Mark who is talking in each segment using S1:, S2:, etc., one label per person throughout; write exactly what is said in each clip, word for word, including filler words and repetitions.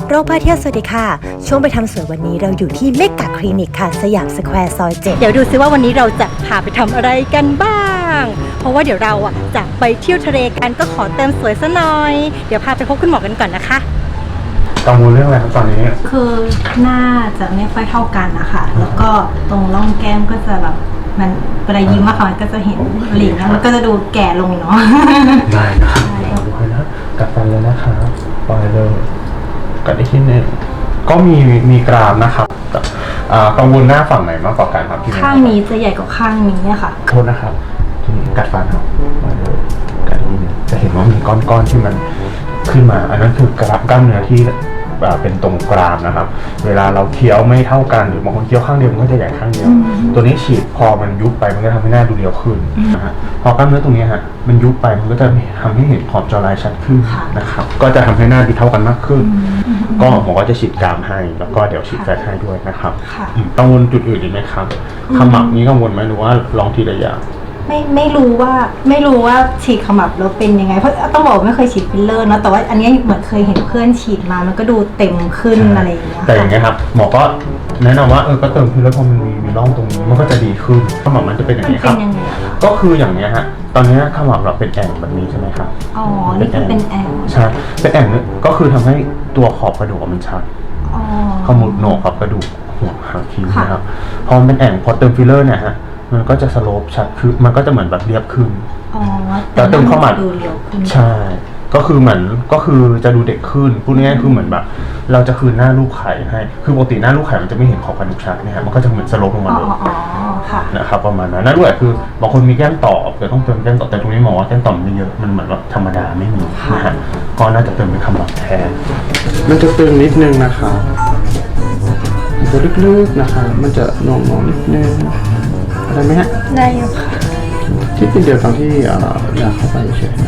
S1: โรคผ้าเที่ยวสวัสดีค่ะช่วงไปทำสวยวันนี้เราอยู่ที่เมกะคลินิกค่ะสยามสแควร์ซอยเจ็ดเดี๋ยวดูซิว่าวันนี้เราจะพาไปทำอะไรกันบ้างเพราะว่าเดี๋ยวเราอ่ะจะไปเที่ยวทะเลกันก็ขอเติมสวยซะหน่อยเดี๋ยวพาไปพบคุณหมอกันก่อนนะคะ
S2: กังวลเรื่องอะไรครับตอนนี้
S3: คือหน้าจะไม่ค่อยเท่ากันนะคะแล้วก็ตรงร่องแก้มก็จะแบบมันเวลายิ้มอะค่ะมันก็จะเห็นหลิงแล้วมันก็จะดูแก่ลงเนาะ
S2: ได้นะครับลองดูให้นะกัดฟันเลยนะครับปล่อยเลยกัดได้ที่หนึ่งก็มีมีกรามนะครับกังวลหน้าฝั่งไหนมากกว่ากันครับที่
S3: ข้างนี้จะใหญ่กว่าข้างนี้ค่ะ
S2: โทษนะครับทีนี้กัดฟันครับปล่อยเลยกัดที่หนึ่งจะเห็นว่ามีก้อนๆที่มันขึ้นมาอันนั้นคือกรามกล้ามเนื้อที่เป็นตรงกรามนะครับเวลาเราเคี้ยวไม่เท่ากันหรือบางคนเคี้ยวข้างเดียวมันก็จะใหญ่ข้างเดียวตัวนี้ฉีดพอมันยุบไปมันก็ทำให้หน้าดูเรียวขึ้นนะฮะพอกล้ามเนื้อตรงนี้ฮะมันยุบไปมันก็จะทำให้เห็นขอบจอลายชัดขึ้นนะครับก็จะทำให้หน้าดูเท่ากันมากขึ้นก็หมอก็จะฉีดกรามให้แล้วก็เดี๋ยวฉีดแฟตให้ด้วยนะครับกังวลจุดอื่นอีกไหมครับขมับนี้กังวลไหมหรือว่าลองทีละอย่าง
S3: ไม่ไม่รู้ว่าไม่รู้ว่าฉีดขมับแล้วเป็นยังไงเพราะต้องบอกไม่เคยฉีดฟิลเลอร์เนาะแต่ว่าอันนี้เหมือนเคยเห็นเพื่อนฉีดมามันก็ดูเต็มขึ้นอะไรอย่างเงี้ย
S2: แต่อย่างเงี้ยครับหมอก็แนะนำว่าเออก็เติมฟิลเลอร์พอมันมีมีร่องตรงนี้มันก็จะดีขึ้นขมับมันจะเป็นอย่างนี้ครับก็คืออย่างเนี้ยฮะตอนนี้ขมับเราเป็นแอ่งแบบนี้ใช่ไหมครับ
S3: อ๋อนี่คือเป็นแอ่ง
S2: ใช่เป็นแอ่งนี่ก็คือทำให้ตัวขอบกระดูกมันชัดขมุดโหนกกับกระดูกหัวหางคิ้วนะครับพอมันเป็นแอ่งพอเติมฟิลเลอร์เนี่ยฮะมันก็จะสโลปชัดคือมันก็จะเหมือนแบบเรียบขึ้น
S3: อ๋อ
S2: แต่เติมเข้ามา
S3: ดูเรียวขึ้น
S2: ใช่ก็คือเหมือนก็คือจะดูเด็กขึ้นพูดง่ายๆคือเหมือนแบบเราจะคืนหน้าลูกไข่ให้คือปกติหน้าลูกไข่มันจะไม่เห็นขอบกระดูกชัดเนี่ยมันก็จะเหมือนสโลปลงมาเลยนะครับประมาณนั้นนั่นด้วยคือบางคนมีแก้มต่อแต่ต้องเติมแก้มต่อแต่ตรงนี้หมอว่าแก้มต่อไม่เยอะมันเหมือนว่าธรรมดาไม่มีนะฮะก็น่าจะเติมเป็นคำบอกแทนมันจะตึงนิดนึงนะครับมันจะลึกๆนะคะมันจะหน่วงๆนิดนึงได้ไหมฮะ
S3: ได้อยู่ค่ะ
S2: ที่เป็นเดียวตอนที่อยากเข้าไปเฉย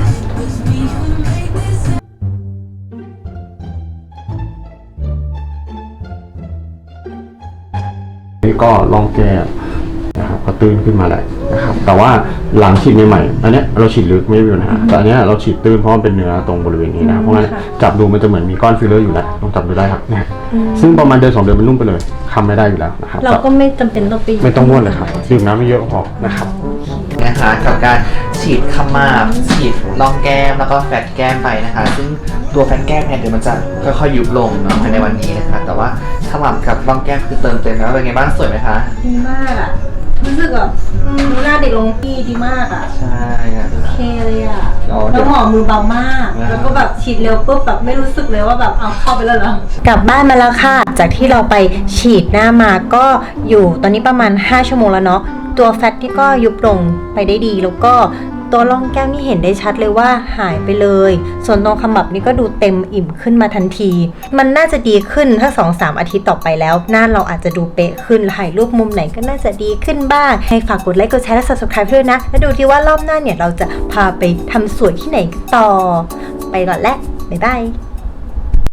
S2: นี่ก็ลองแก้นะครับก็ตื้นขึ้นมาเลยนะครับแต่ว่าหลังฉีดใหม่ๆอันนี้เราฉีดลึกไม่มีปัญหาแต่อันนี้เราฉีดตื้นเพราะมันเป็นเนื้อตรงบริเวณนี้นะเพราะงั้นจับดูมันจะเหมือนมีก้อนฟิลเลอร์อยู่แล้วลองจับดูได้ครับเนี่ยซึ่งประมาณเดือนสองเดือนมันนุ่มไปเลยทำไม่ได้อยู่แล้วนะครับ
S3: เราก็ไม่จำเป็นต้องไป
S2: ไม่ต้องม้วนเลยครับดื่มน้ำไม่เยอะพอนะครับ
S4: นะคะกับการฉีดขมับฉีดร่องแก้มแล้วก็แฟตแก้มไปนะคะซึ่งตัวแฟตแก้มเนี่ยเดี๋ยวมันจะค่อยๆยุบลงเนาะภายในวันนี้นะคะแต่ว่าขมับกับร่องแก้มคือเติมเต็มแล้วเป็นไงบ้างสวยไหมคะ
S3: ดีมากอ่ะรู้สึกแบบดูหน้าเด็กลงพี่ดีมากอ่ะ
S4: ใช่ครับ
S3: โอเคเลยอ่ะแล้วหมอมือเบามากแล้วก็แบบฉีดเร็วปุ๊บแบบไม่รู้สึกเลยว่าแบบเอาเข้าไปแล้วเหรอก
S1: ลับบ้านมาแล้วค่ะจากที่เราไปฉีดหน้ามาก็อยู่ตอนนี้ประมาณห้าชั่วโมงแล้วเนาะตัวแฟตที่ก็ยุบลงไปได้ดีแล้วก็ตัวร่องแก้มนี่เห็นได้ชัดเลยว่าหายไปเลยส่วนตรงขมับนี่ก็ดูเต็มอิ่มขึ้นมาทันทีมันน่าจะดีขึ้นถ้า สองถึงสาม อาทิตย์ต่อไปแล้วหน้าเราอาจจะดูเป๊ะขึ้นถ่ายรูปมุมไหนก็น่าจะดีขึ้นบ้างให้ฝากกดไลค์กดแชร์และ ซับสไครบ์ ด้วยนะแล้วดูที่ว่ารอบหน้าเนี่ยเราจะพาไปทำสวยที่ไหนต่อไปก่อนแล้วบ๊ายบาย